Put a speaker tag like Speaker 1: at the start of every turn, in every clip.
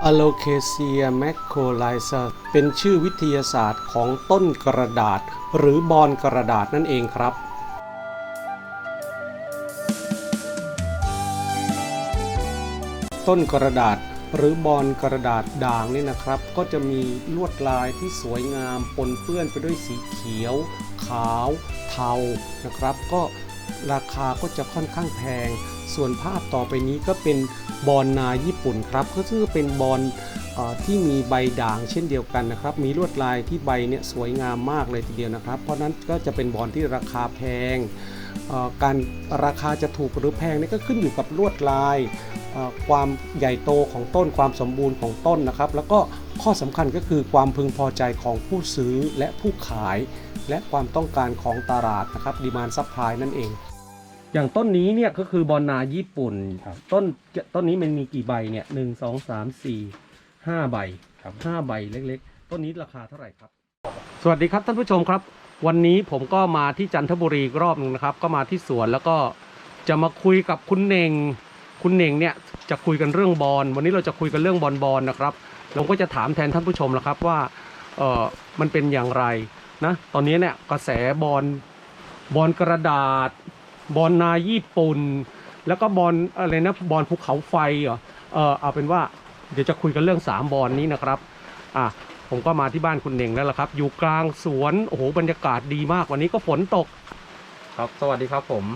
Speaker 1: Alocasia macrorhiza เป็นชื่อวิทยาศาสตร์ของต้นกระดาษหรือบอนกระดาษนั่นเองครับต้นกระดาษหรือบอนกระดาษด่างนี่นะครับก็จะมีลวดลายที่สวยงามปนเปื้อนไปด้วยสีเขียวขาวเทานะครับก็ราคาก็จะค่อนข้างแพงส่วนภาพต่อไปนี้ก็เป็นบอนนาญี่ปุ่นครับก็คือเป็นบอนที่มีใบด่างเช่นเดียวกันนะครับมีลวดลายที่ใบเนี่ยสวยงามมากเลยทีเดียวนะครับเพราะนั้นก็จะเป็นบอนที่ราคาแพงการราคาจะถูกหรือแพงนี่ก็ขึ้นอยู่กับลวดลายความใหญ่โตของต้นความสมบูรณ์ของต้นนะครับแล้วก็ข้อสำคัญก็คือความพึงพอใจของผู้ซื้อและผู้ขายและความต้องการของตลาดนะครับดีมานด์ซัพพลายนั่นเองอย่างต้นนี้เนี่ยก็คือบอนนาญี่ปุ่นต้นนี้มันมีกี่ใบเนี่ย1 2 3 4 5 ใบ5 ใบเล็กๆต้นนี้ราคาเท่าไหร่ครับสวัสดีครับท่านผู้ชมครับวันนี้ผมก็มาที่จันทบุรีรอบนึงนะครับก็มาที่สวนแล้วก็จะมาคุยกับคุณเน่งเนี่ยจะคุยกันเรื่องบอลวันนี้เราจะคุยกันเรื่องบอลนะครับเราก็จะถามแทนท่านผู้ชมแล้วครับว่ามันเป็นอย่างไรนะตอนนี้เนี่ยกระแสบอลกระดาษบอลนาญี่ปุ่นแล้วก็บอลอะไรนะบอลภูเขาไฟเหรอเอาเป็นว่าเดี๋ยวจะคุยกันเรื่อง3บอลนี้นะครับผมก็มาที่บ้านคุณเน่งแล้วล่ะครับอยู่กลางสวนโอ้โหบรรยากาศดีมากวันนี้ก็ฝนตก
Speaker 2: ครับสวัสดีครับผม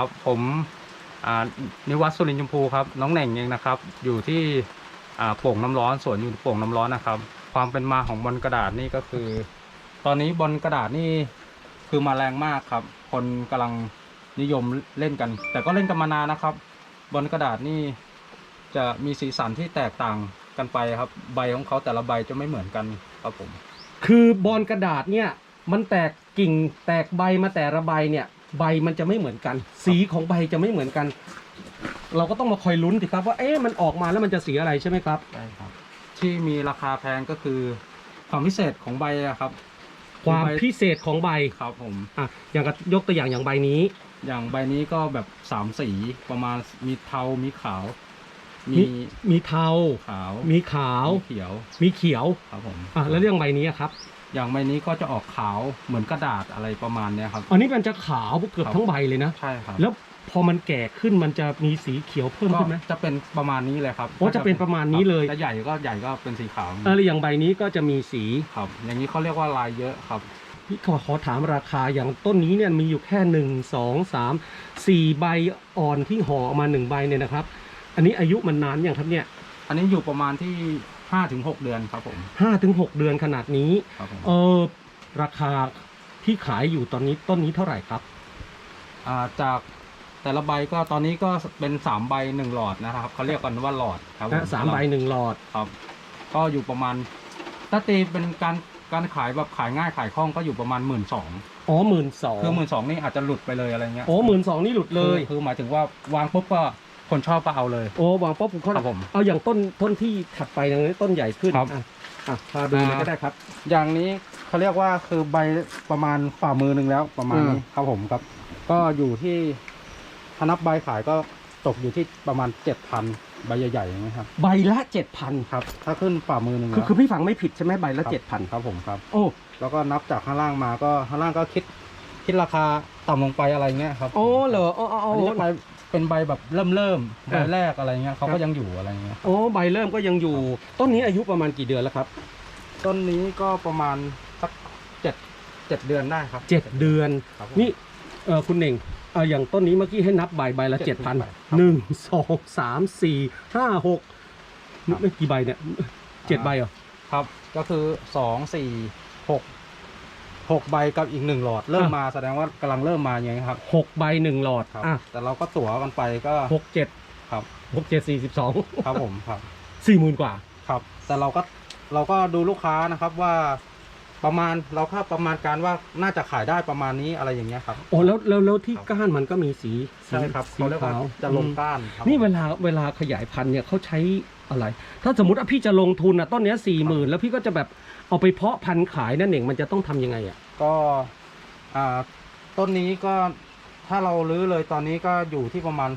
Speaker 2: นิวัฒน์สุรินทร์ชมพูครับน้องเน่งเองนะครับอยู่ที่โป่งน้ำร้อนสวนอยู่โป่งน้ำร้อนนะครับความเป็นมาของบอลกระดาษนี่ก็คือตอนนี้บอลกระดาษนี่คือมาแรงมากครับคนกำลังนิยมเล่นกันแต่ก็เล่นกันมานานนะครับบอลกระดาษนี่จะมีสีสันที่แตกต่างกันไปครับใบของเขาแต่ละใบจะไม่เหมือนกันครับผม
Speaker 1: คือบอลกระดาษเนี่ยมันแตกกิ่งแตกใบมาแต่ละใบเนี่ยใบมันจะไม่เหมือนกันสีของใบจะไม่เหมือนกันเราก็ต้องมาคอยลุ้นสิครับว่ามันออกมาแล้วมันจะสีอะไรใช่ไหมครับ
Speaker 2: ใช่ครับที่มีราคาแพงก็คือความพิเศษของใบครับ
Speaker 1: ความพิเศษของใบ
Speaker 2: ครับผม
Speaker 1: อย่างยกตัวอย่างใบนี้
Speaker 2: อย่างใบนี้ก็แบบ3 สีประมาณมีเทามีขาว
Speaker 1: มีเทา
Speaker 2: ขาว
Speaker 1: มีขาว
Speaker 2: เขียว
Speaker 1: มีเขียว
Speaker 2: ครับผม
Speaker 1: แล้วเรื่องใบนี้ครับ
Speaker 2: อย่างใบนี้ก็จะออกขาวเหมือนกระดาษอะไรประมาณนี้ครับ
Speaker 1: อันนี้มันจะขาวเกือบทั้งใบเลยนะ
Speaker 2: ใช่ครับ
Speaker 1: แล้วพอมันแก่ขึ้นมันจะมีสีเขียวเพิ่มขึ้นไหม
Speaker 2: จะเป็นประมาณนี้เลยครับ
Speaker 1: จะเป็นประมาณนี้เลย
Speaker 2: จะใหญ่ก็เป็นสีขาว
Speaker 1: อย่างใบนี้ก็จะมีสี
Speaker 2: ครับอย่างนี้เขาเรียกว่าลายเยอะครับ
Speaker 1: พี่ขอถามราคาอย่างต้นนี้เนี่ยมีอยู่แค่1 2 3 4 ใบอ่อนที่ห่อออกมา1 ใบเนี่ยนะครับอันนี้อายุมันนานอย่างครับเนี่ย
Speaker 2: อันนี้อยู่ประมาณที่5 ถึง 6 เดือนครับผม
Speaker 1: 5 ถึง 6 เดือนขนาดนี้ราคาที่ขายอยู่ตอนนี้ต้นนี้เท่าไหร่ครับ
Speaker 2: จากแต่ละใบก็ตอนนี้ก็เป็น3 ใบ 1 หลอดนะครับเขาเรียกกันว่าหลอดครับ
Speaker 1: 3 ใบ 1 หลอด
Speaker 2: ครับก็อยู่ประมาณถ้าตีเป็นการขายแบบขายง่ายขายคล่องก็อยู่ประมาณ12,000
Speaker 1: 12,000
Speaker 2: คือ12,000นี่อาจจะหลุดไปเลยอะไรเงี้ย
Speaker 1: 12,000นี่หลุดเลย
Speaker 2: คือหมายถึงว่าวางปุ๊บก็คนชอบก็เอาเลยว
Speaker 1: างปุ๊บผมเอาอย่างต้นที่ถัดไปอย่างนี้ต้นใหญ่ขึ้นพาดูเลยก็ได้ครับ
Speaker 2: อย่างนี้เขาเรียกว่าคือใบประมาณฝ่ามือหนึ่งแล้วประมาณนี้ครับผมครับก็อยู่ที่ถ้านับใบขายก็ตกอยู่ที่ประมาณ 7,000 ใบใหญ่ๆอย่างนี้ครับ
Speaker 1: ใบละ 7,000
Speaker 2: ครับถ้าขึ้นฝ่ามือหนึ่ง
Speaker 1: คือพี่ฟังไม่ผิดใช่ไหมใบละ 7,000
Speaker 2: ครับผมครับแล้วก็นับจากข้างล่างมาก็ข้างล่างก็คิดราคาต่ำลงไปอะไรเงี้ยครับ
Speaker 1: เหรอ
Speaker 2: ใบเป็นใบแบบเริ่มใบแรกอะไรเงี้ยเขาก็ยังอยู่อะไรเงี้ย
Speaker 1: ใบเริ่มก็ยังอยู่ต้นนี้อายุประมาณกี่เดือนแล้วครับ
Speaker 2: ต้นนี้ก็ประมาณสัก7 เดือนได้ครับ
Speaker 1: 7 เดือนนี่คุณเน่งอย่างต้นนี้เมื่อกี้ให้นับใบละ 7,000 1 2 3 4 5 6ไม่กี่ใบเนี่ย7 ใบเหรอ
Speaker 2: ครับก็คือ2 4 6 ใบกับอีก1 หลอดเริ่มมาแสดงว่ากำลังเริ่มมาอย่างนี้ครับ
Speaker 1: 6 ใบ 1 หลอด
Speaker 2: แต่เราก็ตั๋วกันไปก็
Speaker 1: 6 7
Speaker 2: ครับ
Speaker 1: 6 7 42
Speaker 2: ครับผมครับ
Speaker 1: 40,000 กว่า
Speaker 2: ครับแต่เราก็ดูลูกค้านะครับว่าประมาณเราคาดประมาณการว่าน่าจะขายได้ประมาณนี้อะไรอย่างเงี้ยครับ
Speaker 1: แล้วที่ก้านมันก็มีสี
Speaker 2: ใช่ครับ
Speaker 1: สีขาว
Speaker 2: จะลงก้าน
Speaker 1: นี่เวลาขยายพันธุ์เนี่ยเขาใช้อะไรถ้าสมมติว่าพี่จะลงทุนต้นนี้40,000แล้วพี่ก็จะแบบเอาไปเพาะพันธุ์ขายนั่นเองมันจะต้องทำยังไง
Speaker 2: ก็ต้นนี้ก็ถ้าเราลื้อเลยตอนนี้ก็อยู่ที่ประมาณ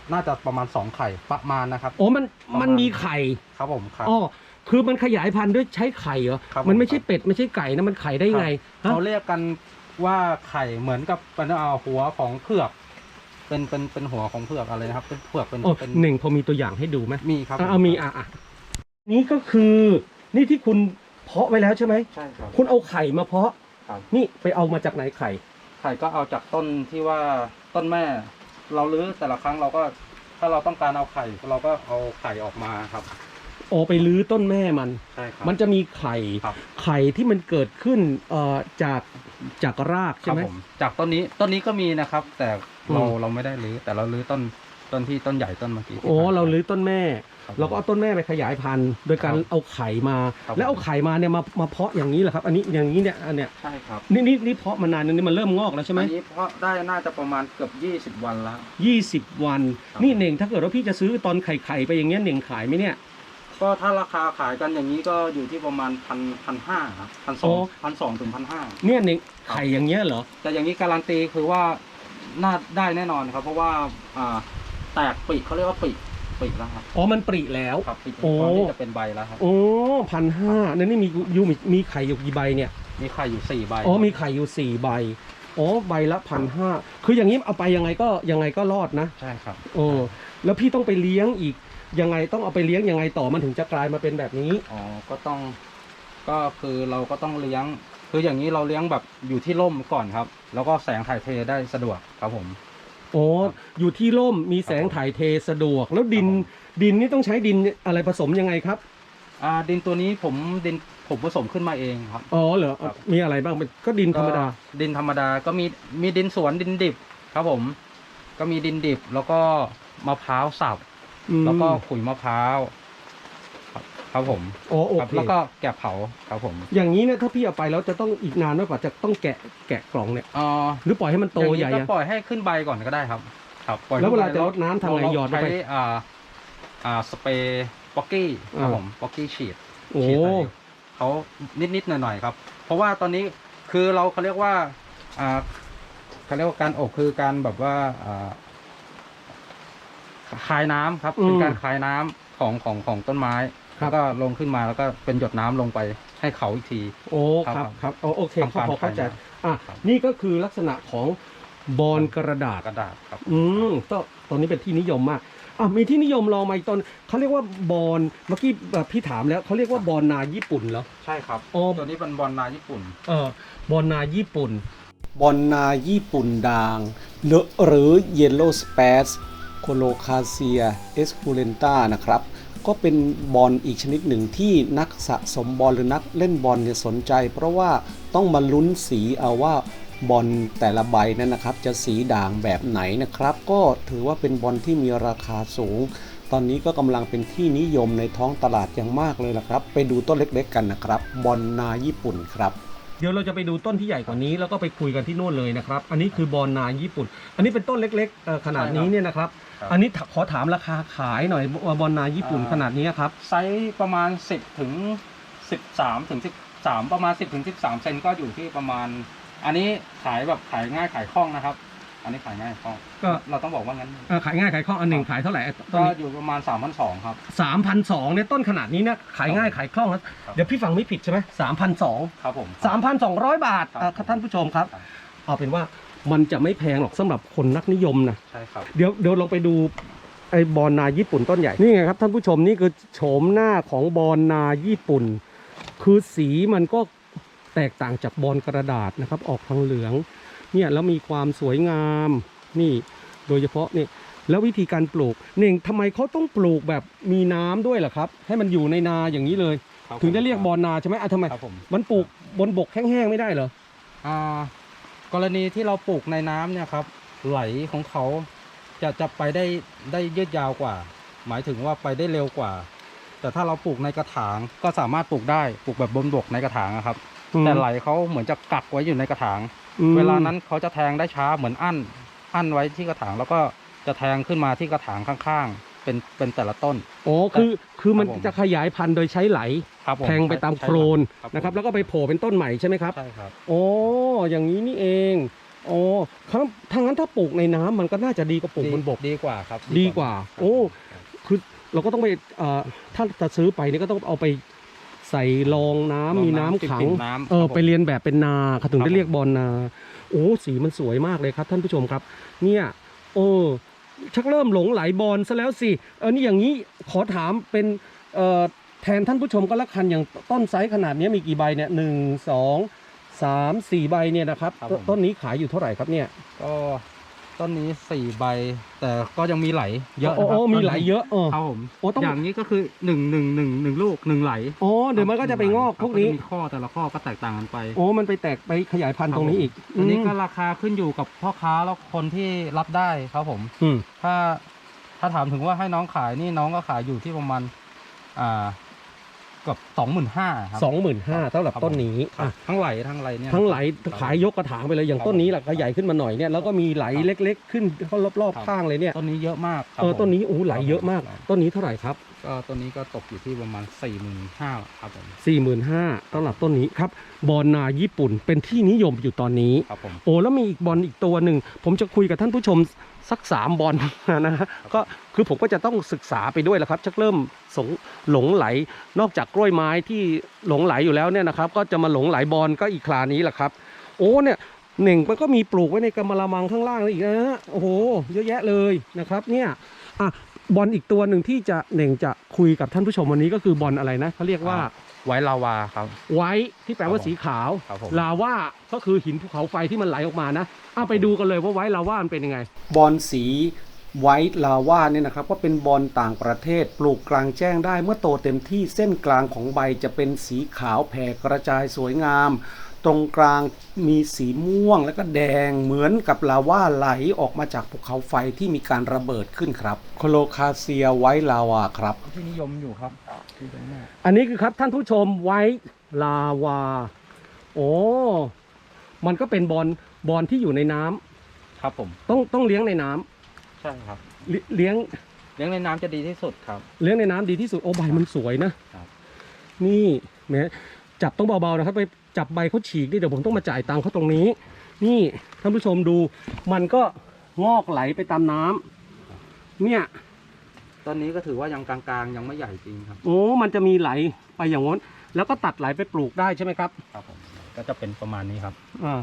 Speaker 2: น่าจะประมาณ2ไข่ประมาณนะครับ
Speaker 1: โอ้มัน
Speaker 2: ประมาณ
Speaker 1: มันมีไข่
Speaker 2: ครับผมครับ
Speaker 1: อ๋อคือมันขยายพันธุ์ด้วยใช้ไข่เหรอ
Speaker 2: ครับผม
Speaker 1: มันไม่ใช่เป็ดไม่ใช่ไก่นะมันไข่ได้ไงฮะ
Speaker 2: เขาเรียกกันว่าไข่เหมือนกับเป็นหัวของเผือกเป็นหัวของเผือกอะไรนะครับเป็นเผือกเป็น
Speaker 1: โอ้
Speaker 2: เป็น
Speaker 1: หนึ่งพอมีตัวอย่างให้ดูไหม
Speaker 2: มีครับ
Speaker 1: เอามีนี่ก็คือนี่ที่คุณเพาะไว้แล้วใช่ไหม
Speaker 2: ใช่ครับ
Speaker 1: คุณเอาไข่มาเพาะ
Speaker 2: ครับ
Speaker 1: นี่ไปเอามาจากไหนไข่
Speaker 2: ไข่ก็เอาจากต้นที่ว่าต้นแม่ เราลื้อแต่ละครั้งเราก็ถ้าเราต้องการเอาไข่เราก็เอาไข่ออกมาครับ
Speaker 1: โอ้ไปลื้อต้นแม่มัน
Speaker 2: ใช่ครับ
Speaker 1: มันจะมีไข่
Speaker 2: ครับ
Speaker 1: ไข่ที่มันเกิดขึ้นจากราก
Speaker 2: ค
Speaker 1: ใช่
Speaker 2: รับ
Speaker 1: ไหม
Speaker 2: ผมจากต้นนี้ก็มีนะครับ แต่เรา
Speaker 1: อืม
Speaker 2: เราไม่ได้ลื้อแต่เราลื้อต้นที่ต้นใหญ่ต้นเมื่อกี้ที่
Speaker 1: โอ้
Speaker 2: ผ่น
Speaker 1: เราลื้อต้นแม่
Speaker 2: ครับ
Speaker 1: เราก็เอาต้นแม่ไปขยายพันธุ์ โดยการ
Speaker 2: ครับ
Speaker 1: เอาไข่มา
Speaker 2: ครับ
Speaker 1: แล้วเอาไข่มาเนี่ยมาเพาะอย่างนี้แหละครับ อันนี้อย่างนี้เนี่ยอันเนี้ย
Speaker 2: ใช่ครับ
Speaker 1: นี่เพาะมานานนึงนี่มันเริ่มงอกแล้วใช่ไหม
Speaker 2: อันนี้เพราะได้น่าจะประมาณเกือบ20 วันแล้ว
Speaker 1: 20 วัน
Speaker 2: ครับ
Speaker 1: นี่เน่งถ้าเกิดว่าพี่จะซื้อตอนไข่ไปอย่างเงี้ยเน่งขายไหมเนี่ย
Speaker 2: ก็ถ้าราคาขายกันอย่างนี้ก็อยู่ที่ประมาณ1,500ครับ
Speaker 1: โอ้
Speaker 2: 1,200ถึง1,500
Speaker 1: เนี่ยเน่งไข่อย่างเงี้ยเหรอ
Speaker 2: แต่อย่างนี้การันตีคือว่าน่าได้แน่นอนครับ เพราะว่าแตกปีกเขาเรียกว่าปีกแล้วครับ
Speaker 1: อ๋อมันปริแล้ว
Speaker 2: ครับปีก
Speaker 1: โอ้
Speaker 2: ตอนนี้จะเป็นใบแล้วครับ
Speaker 1: โอ้1,500นั่นนี่มีไข่อยู่กี่ใบเนี่ย
Speaker 2: มีไข่อยู่4 ใบ
Speaker 1: อ๋อมีไข่อยู่4 ใบอ๋อใบละ1,500คืออย่างนี้เอาไปยังไงก็รอดนะ
Speaker 2: ใช่ครับ
Speaker 1: โอ้แล้วพี่ต้องไปเลี้ยงอีกยังไงต้องเอาไปเลี้ยงยังไงต่อมันถึงจะกลายมาเป็นแบบนี้
Speaker 2: อ๋อก็คือเราก็ต้องเลี้ยง คืออย่างนี้เราเลี้ยงแบบอยู่ที่ร่มก่อนครับ แล้วก็แสงถ่ายเทได้สะดวกครับผม
Speaker 1: โอ้อยู่ที่ร่มมีแสงถ่ายเทสะดวก แล้วดินนี่ต้องใช้ดินอะไรผสมยังไงครับ
Speaker 2: ดินตัวนี้ผมผสมขึ้นมาเองครับ
Speaker 1: อ๋อเหรอ
Speaker 2: ครับ
Speaker 1: มีอะไรบ้างก็ดินธรรมดา
Speaker 2: ก็ดินธรรมดาก็มีดินสวนดินดิบครับผม ก็มีดินดิบแล้วก็มะพร้าวสับ แล้วก็ขุยมะพร้าวครับผม
Speaker 1: อ๋อโอ
Speaker 2: ครับ
Speaker 1: เค
Speaker 2: แล้วก็แกะเผาครับผม
Speaker 1: อย่างนี้เนี่ยถ้าพี่เอาไปแล้วจะต้องอีกนานมากกว่าจะต้องแกะกล่องเนี่ย
Speaker 2: อ๋อ
Speaker 1: หรือปล่อยให้มันโต
Speaker 2: อย่าง
Speaker 1: ใหญ่
Speaker 2: นี้ก็
Speaker 1: อะ
Speaker 2: ปล่อยให้ขึ้นใบก่อนก็ได้ครับ ครับปล่อย
Speaker 1: แล้วเวลา
Speaker 2: ขึ้นใบ
Speaker 1: จะรดน้ำทำไงหยอดลงไป
Speaker 2: ใช้สเปรย์ป๊อกกี้ครับผมป๊อกกี้ฉีด
Speaker 1: โอ้
Speaker 2: ฉีดใส่เขานิดๆหน่อยๆครับ เพราะว่าตอนนี้คือเขาเรียกว่าเขาเรียกว่าการอบคือการแบบว่าคายน้ำครับเป็นการคายน้ำของต้นไม้แล้วก็ลงขึ้นมาแล้วก็เป็นหยดน้ำลงไปให้เขาอีกที
Speaker 1: โอ้
Speaker 2: ครับ
Speaker 1: ครับโอเค
Speaker 2: ทำการ
Speaker 1: พอเข้าใจ
Speaker 2: ขายน้
Speaker 1: อ่ะ
Speaker 2: ครับ
Speaker 1: นี่ก็คือลักษณะของบอลกระดาษ
Speaker 2: กระดาษครับ
Speaker 1: ตอนนี้เป็นที่นิยมมากมีที่นิยมรองมาอีกตอนเขาเรียกว่าบอลเมื่อกี้พี่ถามแล้วเขาเรียกว่าบอลนาญี่ปุ่นเหรอ
Speaker 2: ใช่ครับ
Speaker 1: อ๋อ
Speaker 2: ตัวนี้เป็นบอลนาญี่ปุ่น
Speaker 1: บอลนาญี่ปุ่น บอลนาญี่ปุ่นด่างหรือ Yellow Spatz Colocasia esculenta นะครับ ก็เป็นบอลอีกชนิดหนึ่งที่นักสะสมบอลหรือนักเล่นบอลเนี่ยสนใจ เพราะว่าต้องมาลุ้นสีเอาว่าบอลแต่ละใบนั้นนะครับจะสีด่างแบบไหนนะครับ ก็ถือว่าเป็นบอลที่มีราคาสูง ตอนนี้ก็กำลังเป็นที่นิยมในท้องตลาดอย่างมากเลยล่ะครับไปดูต้นเล็กๆกันนะครับบอลนาญี่ปุ่นครับเดี๋ยวเราจะไปดูต้นที่ใหญ่กว่านี้แล้วก็ไปคุยกันที่โน่นเลยนะครับอันนี้คือบอลนาญี่ปุ่น อันนี้เป็นต้นเล็กๆขนาดนี้เนี่ยนะครับ
Speaker 2: ครับ
Speaker 1: อันนี้ขอถามราคาขายหน่อยบอลนาญี่ปุ่นขนาดนี้ครับ
Speaker 2: ไซส์ประมาณ10ถึง13ถึง13ประมาณ10ถึง13เซนก็อยู่ที่ประมาณ อันนี้ขายแบบขายง่ายขายคล่องนะครับ อันนี้ขายง่ายคล่อง
Speaker 1: ก็
Speaker 2: เราต้องบอกว่างั้น
Speaker 1: ขายง่ายขายคล่องอันหนึ่งขายเท่าไหร่ต้
Speaker 2: ก็
Speaker 1: นนี้
Speaker 2: อยู่ประมาณ3,200ครับ
Speaker 1: 3,200เนี่ยต้นขนาดนี้นะขายง่ายขายคล่องนะครับ เดี๋ยวพี่ฟังไม่ผิดใช่ไหม3,200
Speaker 2: ครับผม
Speaker 1: 3,200 บาท
Speaker 2: ครับ
Speaker 1: ท่านผู้ชมครับ
Speaker 2: ครับ
Speaker 1: เอาเป็นว่ามันจะไม่แพงหรอกสำหรับคนนักนิยมนะ
Speaker 2: ใช่ครับ
Speaker 1: เดี๋ยวลองไปดูไอ้บอลนาญี่ปุ่นต้นใหญ่นี่ไงครับท่านผู้ชมนี่คือโฉมหน้าของบอลนาญี่ปุ่น คือสีมันก็แตกต่างจากบอลกระดาษนะครับออกทางเหลืองเนี่ยแล้วมีความสวยงามนี่โดยเฉพาะนี่แล้ววิธีการปลูกเน่งทำไมเขาต้องปลูกแบบมีน้ำด้วยล่ะครับให้มันอยู่ในนาอย่างนี้เลย
Speaker 2: ครับ
Speaker 1: ถึงได้เรียกบอลนาใช่ไหมทำไม
Speaker 2: ครับผม
Speaker 1: มันปลูกบนบกแห้งๆไม่ได้เหรอ
Speaker 2: กรณีที่เราปลูกในน้ำเนี่ยครับไหลของเขาจะไปได้ยืดยาวกว่า หมายถึงว่าไปได้เร็วกว่า แต่ถ้าเราปลูกในกระถางก็สามารถปลูกได้ปลูกแบบบนบกในกระถางอะครับ แต่ไหลเขาเหมือนจะกักไว้อยู่ในกระถาง เวลานั้นเขาจะแทงได้ช้าเหมือนอั้นไว้ที่กระถางแล้วก็จะแทงขึ้นมาที่กระถางข้างๆเป็นแต่ละต้น
Speaker 1: โอ้คือมัน
Speaker 2: ครับผม
Speaker 1: จะขยายพันธุ์โดยใช้ไหล
Speaker 2: ครับผม
Speaker 1: แทงไปตามโคลน
Speaker 2: ใช่
Speaker 1: นะครับแล้วก็ไปโผล่เป็นต้นใหม่ใช่ไหมครับ
Speaker 2: ใช่ครับ
Speaker 1: โอ้อย่างนี้นี่เองโอ้ครับทางนั้นถ้าปลูกในน้ำมันก็น่าจะดีกว่าปลูกบนบก
Speaker 2: ดีกว่าครับ
Speaker 1: ดีกว่า
Speaker 2: ครับ
Speaker 1: โอ้ คือเราก็ต้องไปถ้าจะซื้อไปนี่ก็ต้องเอาไปใส่รองน้ำมีน้ำขัง
Speaker 2: ปิ่มน้ำ
Speaker 1: ไปเรียนแบบเป็นนาเขาถึง
Speaker 2: ครับ
Speaker 1: ได้เรียกบอลนา โอ้สีมันสวยมากเลยครับท่านผู้ชมครับ เนี่ยโอ้ชักเริ่มหลงไหลบอลซะแล้วสินี่อย่างนี้ขอถามเป็นแทนท่านผู้ชมก็แล้วกันอย่างต้นไซส์ขนาดนี้มีกี่ใบเนี่ย1 2 3 4 ใบเนี่ยนะครับ
Speaker 2: ครับผม
Speaker 1: ต้นนี้ขายอยู่เท่าไหร่ครับเนี่ย
Speaker 2: ก็ต้นนี้4 ใบ แต่ก็ยังมีไหลเยอะนะค
Speaker 1: โอ้
Speaker 2: รับ
Speaker 1: มีไหลเยอะ
Speaker 2: ครับผม
Speaker 1: โอ้ต้อง
Speaker 2: อย่างนี้ก็คือ1ลูก1ไหล
Speaker 1: อ๋อเดี๋ยวมันก็จะไปงอกพวกนี้
Speaker 2: จะมีข้อแต่ละข้อก็แตกต่างกันไป
Speaker 1: โอ้มันไปแตกไปขยายพันธุ์ตรงนี้อีก
Speaker 2: อันนี้ก็ราคาขึ้นอยู่กับพ่อค้าแล้วคนที่รับได้ครับผม
Speaker 1: อืม
Speaker 2: ถ้าถามถึงว่าให้น้องขายนี่น้องก็ขายอยู่ที่ประมาณเกับ25,000ครับ
Speaker 1: 25,000สำหรับต้นนี้
Speaker 2: ครับทั้งไหลทั้งอะไรเนี่ย
Speaker 1: ทั้งไหล
Speaker 2: ครับ
Speaker 1: ขายยกกระถางไปเลยอย่างต้นนี้แหละก็ใหญ่ขึ้นมาหน่อยเนี่ยแล้วก็มีไหลเล็กๆ ขึ้นเข้ารอบๆข้างเลยเนี่ย
Speaker 2: ต้นนี้เยอะมากครับ
Speaker 1: ต้นนี้
Speaker 2: ผม
Speaker 1: โอ้ไหลเยอะมาก
Speaker 2: ครับ
Speaker 1: ต้นนี้เท่าไหร่ครับ
Speaker 2: ก็ต้นนี้ก็ตกอยู่ที่ประมาณ45,000ครับผม
Speaker 1: 45,000สำหรับต้นนี้ครับบอลนาญี่ปุ่นเป็นที่นิยมอยู่ตอนนี้
Speaker 2: ครับผม
Speaker 1: โอ้แล้วมีอีกบอลอีกตัวหนึ่งผมจะคุยกับท่านผู้ชมสัก3 บอลนะฮะก็คือผมก็จะต้องศึกษาไปด้วยแหละครับชักเริ่มหลงไหลนอกจากกล้วยไม้ที่หลงไหลอยู่แล้วเนี่ยนะครับก็จะมาหลงไหลบอลก็อีกคลานี้แหละครับโอ้เนี่ยเน่งมันก็มีปลูกไว้ในกำมะละมังข้างล่างอีกนะฮะโอ้โหเยอะแยะเลยนะครับเนี่ยบอลอีกตัวหนึ่งที่จะเน่งจะคุยกับท่านผู้ชมวันนี้ก็คือบอลอะไรนะเขาเรียกว่า
Speaker 2: ไว้ลาวาครับ
Speaker 1: ไว้ที่แปลว่าสีขาว
Speaker 2: ครับผม
Speaker 1: ลาว่าก็คือหินภูเขาไฟที่มันไหลออกมานะเอาไปดูกันเลยว่าไว้ลาว่ามันเป็นยังไง บอลสีไว้ลาว่าเนี่ยนะครับก็เป็นบอลต่างประเทศปลูกกลางแจ้งได้เมื่อโตเต็มที่เส้นกลางของใบจะเป็นสีขาวแผ่กระจายสวยงาม ตรงกลางมีสีม่วงและก็แดงเหมือนกับลาว่าไหลออกมาจากภูเขาไฟที่มีการระเบิดขึ้นครับโคโลคาเซียไว้ลาวาครับ
Speaker 2: ที่นิยมอยู่ครับที่ตรงนี้
Speaker 1: อันนี้คือครับท่านผู้ชมไว้ลาวาโอ้มันก็เป็นบอลที่อยู่ในน้ำ
Speaker 2: ครับผม
Speaker 1: ต้องเลี้ยงในน้ำ
Speaker 2: ใช่ครับ
Speaker 1: เลี้ยง
Speaker 2: เลี้ยงในน้ำจะดีที่สุดครับ
Speaker 1: เลี้ยงในน้ำดีที่สุดโอ้ใบมันสวยนะครับ นี่แหมจับต้องเบาๆนะครับไปจับใบเขาฉีกดิเดี๋ยวผมต้องมาจ่ายตังค์เขาตรงนี้ นี่ท่านผู้ชมดูมันก็งอกไหลไปตามน้ำเนี่ย
Speaker 2: ตอนนี้ก็ถือว่ายังกลางๆยังไม่ใหญ่จริงครับ
Speaker 1: โอ้มันจะมีไหลไปอย่างง้นแล้วก็ตัดไหลไปปลูกได้ใช่ไหมครับ
Speaker 2: ครับผมก็จะเป็นประมาณนี้ครับ
Speaker 1: อ่า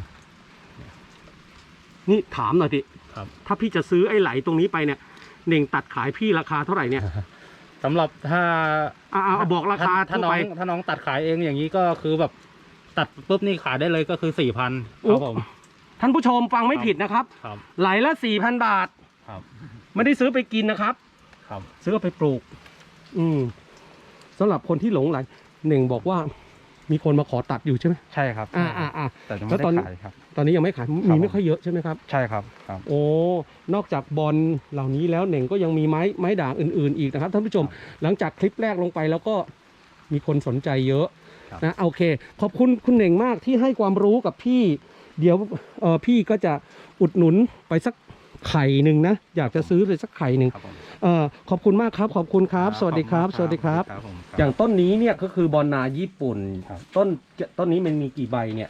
Speaker 1: นี่ถามหน่อยดิ
Speaker 2: ครับ
Speaker 1: ถ้าพี่จะซื้อไอ้ไหลตรงนี้ไปเนี่ยเน่งตัดขายพี่ราคาเท่าไหร่เนี่ย
Speaker 2: สำหรับถ้า
Speaker 1: เอาบอกราคา
Speaker 2: ถ้า
Speaker 1: ทั่ว
Speaker 2: น้อ
Speaker 1: ไป
Speaker 2: งถ้าน้องตัดขายเองอย่างนี้ก็คือแบบตัดปุ๊บนี่ขายได้เลยก็คือ4,000
Speaker 1: โอ้
Speaker 2: ครับผม
Speaker 1: ท่านผู้ชมฟังไม่ผิดนะครับ
Speaker 2: ครับ
Speaker 1: ไหลละ 4,000 บาท
Speaker 2: ครับ
Speaker 1: ไม่ได้ซื้อไปกินนะครับ
Speaker 2: ครับ
Speaker 1: ซื้อเอาไปปลูก สำหรับคนที่หลงไหลเน่งบอกว่ามีคนมาขอตัดอยู่ใช่ไหม
Speaker 2: ใช่ครับ แต่ยัง
Speaker 1: แล้
Speaker 2: ไม่
Speaker 1: วตอน
Speaker 2: ได้ขายครับ
Speaker 1: ตอนนี้ยังไม่ขาย
Speaker 2: ครั
Speaker 1: มี
Speaker 2: บ
Speaker 1: ไม่ค่อยเยอะใช่ไหมครับ
Speaker 2: ใช่ครับครับ
Speaker 1: โอ้ นอกจากบอลเหล่านี้แล้วเน่งก็ยังมีไม้ด่างอื่นๆอีกนะครับท่านผู้ชม หลังจากคลิปแรกลงไปแล้วก็มีคนสนใจเยอะ
Speaker 2: ครับ
Speaker 1: นะโอเค ขอบคุณคุณเน่งมากที่ให้ความรู้กับพี่ เดี๋ยวพี่ก็จะอุดหนุนไปสักไข่หนึ่งนะ อยากจะซื้อไปสักไข่หนึ่ง
Speaker 2: ครับผม
Speaker 1: ขอบคุณมากครับ ขอบคุณครับ สวัสดีครับ
Speaker 2: ขอณ
Speaker 1: สวัสดีครับ
Speaker 2: ผมครับ
Speaker 1: อย่างต้นนี้เนี่ยก็คือบอลนาญี่ปุ่น
Speaker 2: ครับ
Speaker 1: ต้นนี้มันมีกี่ใบเนี่ย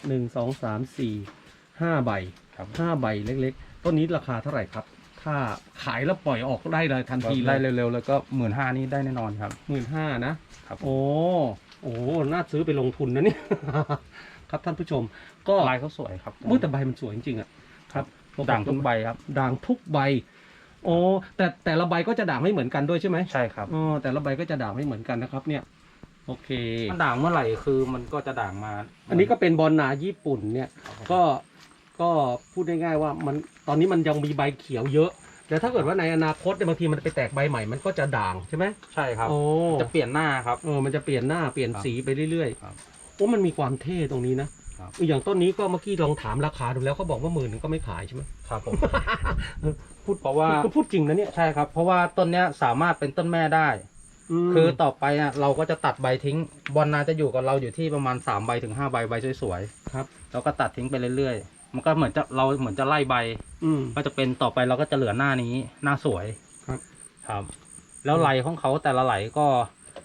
Speaker 1: 1 2 3 4 5 ใบ
Speaker 2: ครับ
Speaker 1: 5 ใบเล็กๆ ต้นนี้ราคาเท่าไหร่ครับ ถ้าขายแล้วปล่อยออกได้เลยทันทีเล
Speaker 2: ได้
Speaker 1: ย
Speaker 2: เร็วๆแล้วก็15,000นี่ได้แน่นอนครับ
Speaker 1: 15,000นะ
Speaker 2: ครับผม
Speaker 1: โอ้น่าซื้อไปลงทุนนะเนี่ย ครับท่านผู้ชม ก็
Speaker 2: ลายเขาสวยครับ
Speaker 1: มือแต่ใบมันสวยจริงๆอ่ะครับ
Speaker 2: ด่างทุกใบครับ
Speaker 1: ด่างทุกใบโอ้แต่ละใบก็จะด่างไม่เหมือนกันด้วยใช่ไหม
Speaker 2: ใช่ครับ
Speaker 1: อ๋อแต่ละใบก็จะด่างไม่เหมือนกันนะครับ เนี่ย โอเค
Speaker 2: มันด่างเมื่อไหร่คือมันก็จะด่างมา
Speaker 1: อันนี้ก็เป็นบอลนาญี่ปุ่นเนี่ย ก็พูดง่ายๆว่ามันตอนนี้มันยังมีใบเขียวเยอะ แต่ถ้าเกิดว่าในอนาคตเนี่ยบางทีมันไปแตกใบใหม่มันก็จะด่างใช่ไหม
Speaker 2: ใช่ครับ
Speaker 1: โอ้
Speaker 2: จะเปลี่ยนหน้าครับ
Speaker 1: มันจะเปลี่ยนหน้าเปลี่ยนสีไปเรื่อย
Speaker 2: ครับ
Speaker 1: ๆโอ้มันมีความเท่ตรงนี้นะครับ อย่างต้นนี้ก็เมื่อกี้ลองถามราคาดูแล้วเขาบอกว่า10,000ก็ไม่ขายใช่ไหม
Speaker 2: ครับผม
Speaker 1: พูด
Speaker 2: เพราะว่า
Speaker 1: ก็พูดจริงนะเนี่ย
Speaker 2: ใช่ครับ เพราะว่าต้นเนี้ยสามารถเป็นต้นแม่ได้
Speaker 1: ม
Speaker 2: คือต่อไปอ่ะเราก็จะตัดใบทิ้ง บอลนาจะอยู่กับเราอยู่ที่ประมาณ3 ใบถึง 5 ใบใบสวย
Speaker 1: ครับ
Speaker 2: ๆเราก็ตัดทิ้งไปเรื่อยๆ มันก็เหมือนจะไล่ใบ
Speaker 1: อืม
Speaker 2: ก็จะเป็นต่อไปเราก็จะเหลือหน้านี้หน้าสวย
Speaker 1: ครับ
Speaker 2: ครับ แล้วไหลของเขาแต่ละไหลก็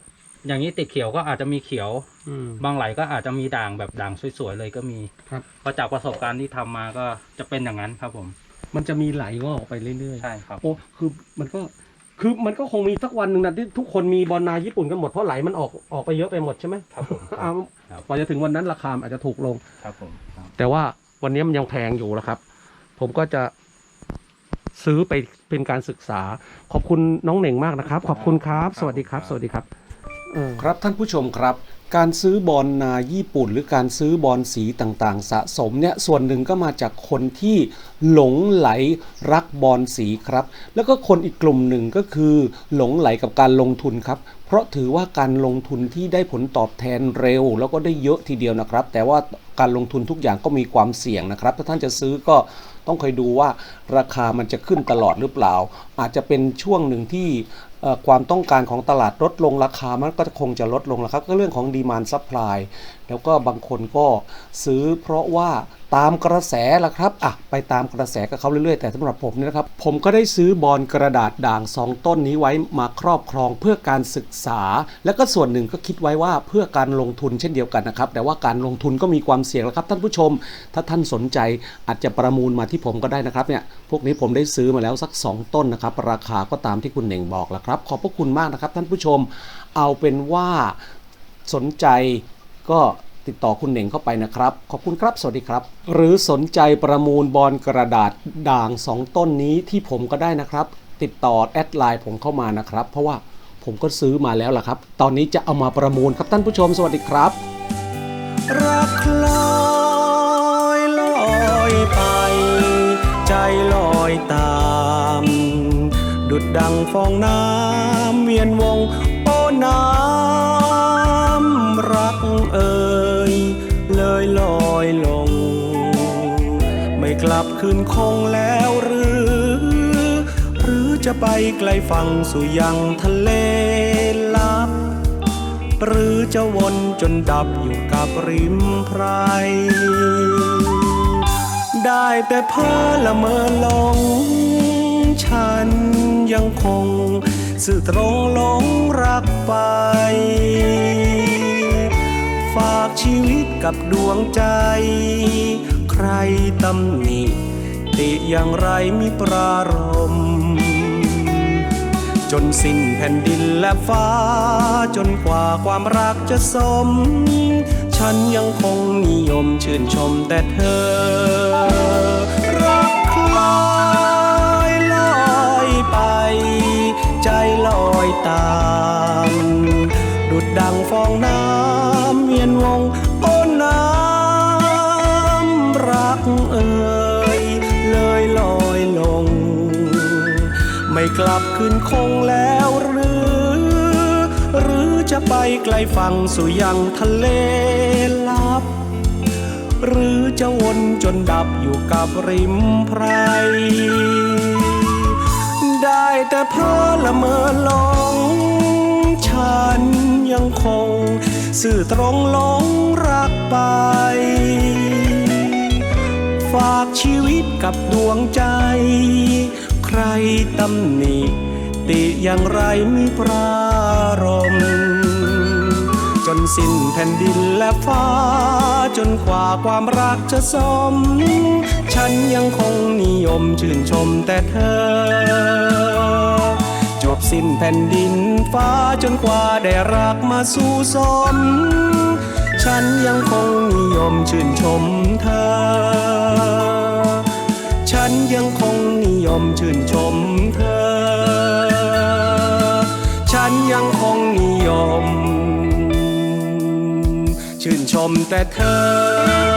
Speaker 2: อย่างนี้ติดเขียวก็อาจจะมีเขียว
Speaker 1: อืม
Speaker 2: บางไหลก็อาจจะมีด่างแบบด่างสวยๆเลยก็มี
Speaker 1: ครับ
Speaker 2: เพราะจากประสบการณ์ที่ทำมาก็จะเป็นอย่างนั้นครับผม
Speaker 1: มันจะมีไหลงอกออกไปเรื่อย
Speaker 2: ใช่ครับ
Speaker 1: ๆโอ้คือมันก็คงมีสักวันหนึ่งนะที่ทุกคนมีบอลนาญี่ปุ่นกันหมดเพราะไหลมันออกไปเยอะไปหมดใช่ไหม
Speaker 2: ครับผม
Speaker 1: อ่า
Speaker 2: ครับ
Speaker 1: กว่าจะถึงวันนั้นราคาอาจจะถูกลง
Speaker 2: ครับผมครับ
Speaker 1: แต่ว่าวันนี้มันยังแพงอยู่แล้วครับ ผมก็จะซื้อไปเป็นการศึกษา ขอบคุณน้องเหน่งมากนะครับ ขอบคุณครับ สวัสดีครับ สวัสดีครับครับท่านผู้ชมครับ การซื้อบอลนาญี่ปุ่น หรือการซื้อบอลสีต่างๆ สะสมเนี่ยส่วนหนึ่งก็มาจากคนที่หลงไหลรักบอลสีครับ แล้วก็คนอีกกลุ่มหนึ่งก็คือหลงไหลกับการลงทุนครับ เพราะถือว่าการลงทุนที่ได้ผลตอบแทนเร็ว แล้วก็ได้เยอะทีเดียวนะครับ แต่ว่าการลงทุนทุกอย่างก็มีความเสี่ยงนะครับ ถ้าท่านจะซื้อก็ต้องคอยดูว่าราคามันจะขึ้นตลอดหรือเปล่า อาจจะเป็นช่วงหนึ่งที่ความต้องการของตลาดลดลงราคามันก็คงจะลดลงแล้วครับก็เรื่องของดีมานด์ซัพพลายแล้วก็บางคนก็ซื้อเพราะว่าตามกระแสล่ะครับไปตามกระแสกับเขาเรื่อยๆแต่สำหรับผมเนี่ยนะครับผมก็ได้ซื้อบอลกระดาษด่าง2 ต้นนี้ไว้มาครอบครองเพื่อการศึกษา แล้วก็ส่วนหนึ่งก็คิดไว้ว่าเพื่อการลงทุนเช่นเดียวกันนะครับแต่ว่าการลงทุนก็มีความเสี่ยงแล้วครับท่านผู้ชมถ้าท่านสนใจอาจจะประมูลมาที่ผมก็ได้นะครับเนี่ยพวกนี้ผมได้ซื้อมาแล้วสัก2 ต้นนะครับราคาก็ตามที่คุณเหน่งบอกแล้วครับขอบพระคุณมากนะครับท่านผู้ชมเอาเป็นว่าสนใจก็ติดต่อคุณเหน่งเข้าไปนะครับขอบคุณครับสวัสดีครับหรือสนใจประมูลบอลกระดาษด่าง2 ต้นนี้ที่ผมก็ได้นะครับติดต่อแอดไลน์ผมเข้ามานะครับเพราะว่าผมก็ซื้อมาแล้วล่ะครับตอนนี้จะเอามาประมูลครับท่านผู้ชมสวัสดีครับรักลอยลอยไปใจลอยตามดุจดังฟองน้ำเวียนวงโอ้น้ำรักเอ่ยเลยลอยลงไม่กลับคืนคงแล้วหรือจะไปไกลฝั่งสู่ยังทะเลลับหรือจะวนจนดับอยู่กับริมไพรได้แต่เพ้อละเมอหลงฉันยังคงสื่อตรงหลงรักไปฝากชีวิตกับดวงใจใครตำหนิติอย่างไรมิปรารมจนสิ้นแผ่นดินและฟ้าจนกว่าความรักจะสมฉันยังคงนิยมชื่นชมแต่เธอรักคลอยลอยไปใจลอยตามดุจดังฟองน้ำเวียนวงโอ้น้ำรักเอ่ยเลยลอยลงไม่กลับคืนคงแล้วหรือจะไปไกลฝั่งสู่ยังทะเลลับหรือจะวนจนดับอยู่กับริมไพรได้แต่เพ้อละเมอหลงฉันยังคงสื่อตรงหลงรักไปฝากชีวิตกับดวงใจใครตำหนิติอย่างไรมิปรารมจนสิ้นแผ่นดินและฟ้าจนกว่าความรักจะสมฉันยังคงนิยมชื่นชมแต่เธอจบสิ้นแผ่นดินฟ้าจนกว่าได้รักมาสู่สมฉันยังคงนิยมชื่นชมเธอฉันยังคงนิยมชื่นชมเธอฉันยังคงนิยมชื่นชมแต่เธอ